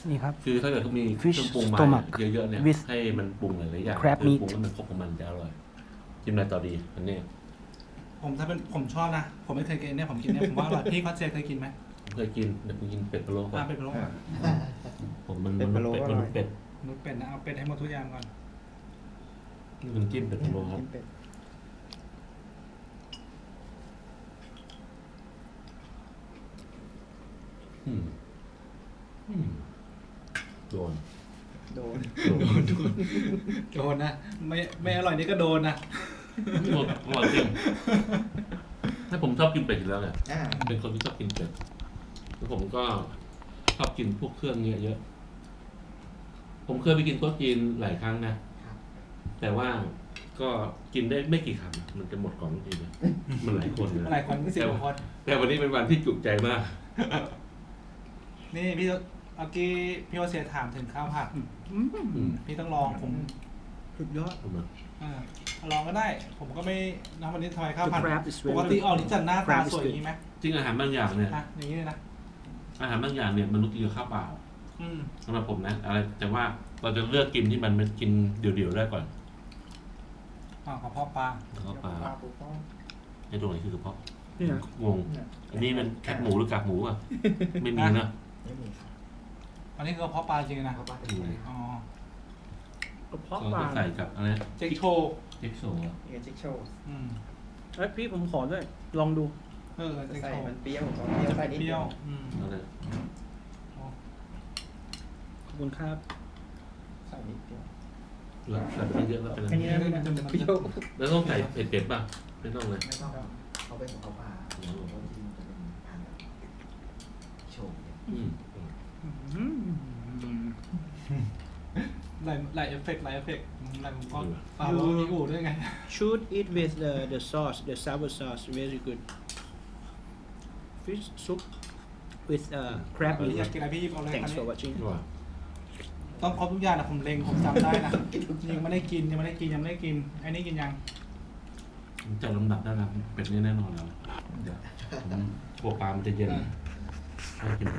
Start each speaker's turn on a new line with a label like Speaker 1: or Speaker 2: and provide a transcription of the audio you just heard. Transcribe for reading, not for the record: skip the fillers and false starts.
Speaker 1: นี่ครับ
Speaker 2: คือถ้าเกิดเขามีเค
Speaker 1: Fish
Speaker 2: รื่องปรุงมา
Speaker 1: stomach
Speaker 2: เยอะๆเนี่ย
Speaker 1: with
Speaker 2: ให้มันปรุงหลายๆอย่าง
Speaker 1: crab
Speaker 2: คือ
Speaker 1: meat
Speaker 2: ปรุงแล้วมันครบของมันจะอร่อยจิ้มอะไรต่อดีอันนี้
Speaker 3: ถ้าเป็นผมชอบนะผมไม่เคยกินเนี่ยผมกินเนี่ยผมว่าอร่อยพี่ก็เจเคยกินไหม
Speaker 2: ผมเคยกินเดี๋ยวผมกินเป็ดพะโล้ก่อน
Speaker 3: เป็นพะโล้ก่อน
Speaker 2: ผมมัน
Speaker 4: เป็ดพะโล้
Speaker 2: เป็ด
Speaker 4: อร่
Speaker 2: มั
Speaker 4: อย
Speaker 2: นเป็ด
Speaker 3: นุชเป็ดนะเอาเป็ดให้หมดทุกอย่างก่อน
Speaker 2: นี่มันจิ้มเป็ดพะโล้ครับ
Speaker 4: กินเป็ด
Speaker 2: อืมอืมโดน
Speaker 4: โดน
Speaker 3: โดนนะไม่อร่อยนี่ก็โดนนะ
Speaker 2: อร่อยจริงถ้าผมชอบกินเป็ดอยู่แล้วเนี่ย
Speaker 4: อ่า
Speaker 2: เป็นคนที่ชอบกินเป็ดแล้วผมก็ชอบกินพวกเครื่องเนี่ยเยอะ ผมเคยไปกินโต๊ะจีนหลายครั้งนะ แต่ว่าก็กินได้ไม่กี่คำมันจะหมดก่อนทุกทีเลยมันหลายคนเลย
Speaker 3: หลายคนก็สิบกว่าคน
Speaker 2: แต่วันนี้เป็นวันที่จุใจมาก
Speaker 3: นี่พี่เมื่อกี้พี่โอเสียถามถึงข้าวผัดพี่ต้องลองผม
Speaker 1: สุดยอด
Speaker 3: ลองก็ได้ ผมก็ไม่นะวันนี้ทำไมข้าวผัด
Speaker 1: The crab is very
Speaker 3: ปกติออกนี่จัดหน้าตา
Speaker 1: crab is
Speaker 3: สวยอย่างนี้ไหม
Speaker 2: จริงอาหารบางอย่างเนี่ย
Speaker 3: อย่างนี้เลยนะ
Speaker 2: อาหารบางอย่างเนี่ยมันต้องกินกับข้าวเปล่า
Speaker 3: อืม
Speaker 2: สำหรับผมนะอะไรแต่ว่าเราจะเลือกกินที่มันกินเดี่ยวๆได้ก่อน
Speaker 3: กระเพาะปลา
Speaker 2: ข้าวเปล่า
Speaker 4: ปลาปูป้อง
Speaker 2: ไอ้ตรงไหนคือกระเพาะ
Speaker 1: นี่นะ
Speaker 2: งงอันนี้มันแคบหมูหรือกากหมูอ่ะไม่มีนะ
Speaker 4: ไม่มีครับ
Speaker 3: อันนี้คือกระเพาะปลาจริงนะ
Speaker 4: เขาปลาเป็น
Speaker 3: อ๋อก
Speaker 1: ระเพาะ
Speaker 2: ก็
Speaker 1: ปลา
Speaker 2: ใส่กับอะไร
Speaker 3: เจ๊กโชว์
Speaker 2: เจ็กโซอะ
Speaker 4: นี่ก็จิ๊กโชว์
Speaker 1: เอ้ยพี่ผมขอด้วย ลองดู
Speaker 3: เจ๊ก
Speaker 4: ใส่
Speaker 3: โชว์
Speaker 4: มันเปรี้ยวของเปรี้ยวใส่นิด
Speaker 3: เปรี้
Speaker 4: เดี
Speaker 3: ย
Speaker 4: ยว ว
Speaker 2: อะไร
Speaker 1: ขอบคุณครับ
Speaker 4: ใส่นิดเดียว
Speaker 2: เหลือใส่ไปเยอะแล้วเป็นอะไร
Speaker 1: อันนี้นะ
Speaker 3: มันจะ
Speaker 4: เปรี้ยว
Speaker 2: แล้วต้องใส่เผ็ดๆป่ะไม่ต้องเลย
Speaker 4: ไม่ต้องเขาเป็นของเขาปลาคนที่มันจะเป็นทานแบบโชว์เนี่ย
Speaker 3: หลายเอฟเฟกต์หลายมุมกล้องปลาว่ามีอู่ด้วยไง
Speaker 1: should eat with the sauce the sour sauce very good fish soup with crab
Speaker 3: พี่
Speaker 1: meat
Speaker 3: อยากกินอะไรพี่หยิบเอาเลย
Speaker 1: thanks for watching
Speaker 2: ว่า
Speaker 3: ต้องครบทุกอย่างนะผมเล็งผมจำได้นะยังไม่ได้กินอันนี้กินยัง
Speaker 2: ผมจัดลำดับได้แล้วเป็ดนี่แน่นอนแล้วเดี๋ยวผมกลัวปลามันจะเย็นให้กิน